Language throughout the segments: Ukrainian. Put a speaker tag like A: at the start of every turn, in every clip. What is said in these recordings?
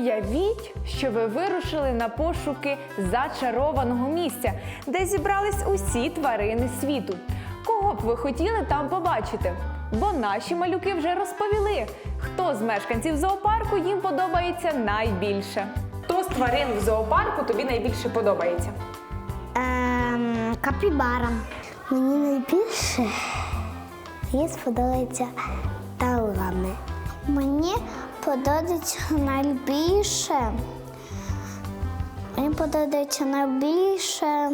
A: Уявіть, що ви вирушили на пошуки зачарованого місця, де зібрались усі тварини світу. Кого б ви хотіли там побачити? Бо наші малюки вже розповіли, хто з мешканців зоопарку їм подобається найбільше. Хто з тварин в зоопарку тобі найбільше подобається?
B: Капібара. Мені найбільше сподобається талани. Мені подобається найбільше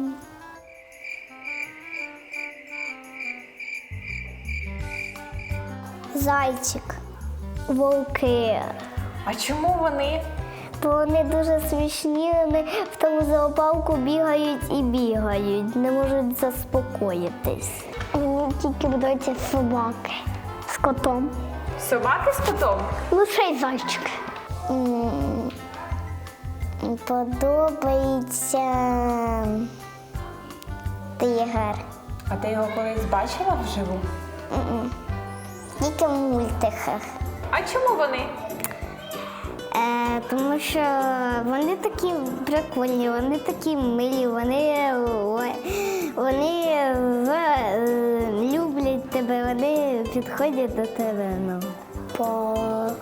B: зайчик, вовки.
A: А чому вони?
B: Бо вони дуже смішні, вони в тому зоопарку бігають і бігають, не можуть заспокоїтись. Мені тільки подобаються собаки з котом.
A: Собаки з котом?
B: Ну, ще й зайчик. Подобається тигр.
A: А ти його колись бачила вживу?
B: Тільки в мультиках.
A: А чому вони?
B: Тому що вони такі прикольні, вони такі милі, вони люблять тебе, вони підходять до тебе. Бо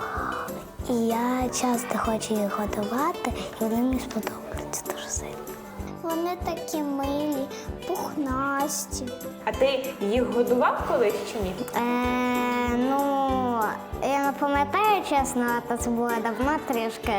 B: я часто хочу їх годувати, і вони мені сподобаються дуже сильно. Вони такі милі, пухнасті.
A: А ти їх годував колись чи ні?
B: Я не пам'ятаю, чесно, це було давно трішки.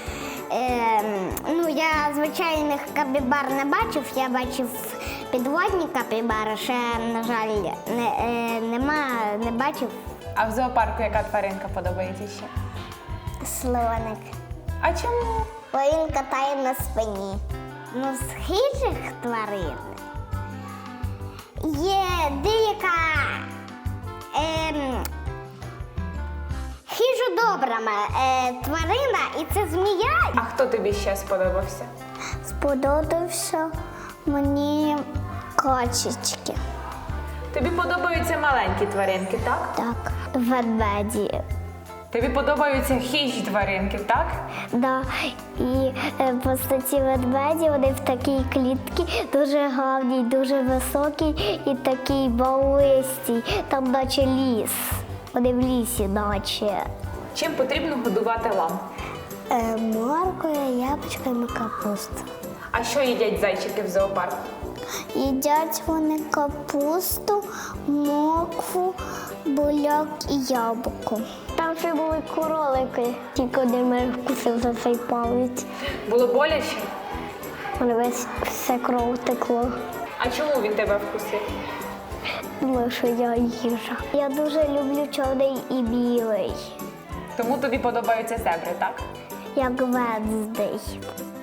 B: Я звичайних капібар не бачив, я бачив підводні капібари, ще, на жаль, не бачив.
A: А в зоопарку яка тваринка подобається ще?
B: Слоник.
A: А чому?
B: Бо він катає на спині. З хижих тварин є деяка хижодобра тварина, і це змія.
A: А хто тобі ще сподобався?
B: Сподобався мені качечки.
A: Тобі подобаються маленькі тваринки, так?
B: Так, ведмеді.
A: Тобі подобаються хижі тваринки, так?
B: Да. І просто ці ведмеді, вони в такій клітці дуже гарні, дуже високі і такий балистий, там наче ліс. Вони в лісі наче.
A: Чим потрібно годувати лам?
B: Моркою, яблучками, капусту.
A: А що їдять зайчики в зоопарку?
B: Їдять вони капусту, моркву, буряк і яблуко. Там ще були кролики, тільки один мене вкусив за цей палець.
A: Було боляче?
B: Мене весь все кров текло.
A: А чому він тебе вкусив?
B: Думаю, що я їжа. Я дуже люблю чорний і білий,
A: Тому тобі подобаються зебри, так?
B: як Венздей.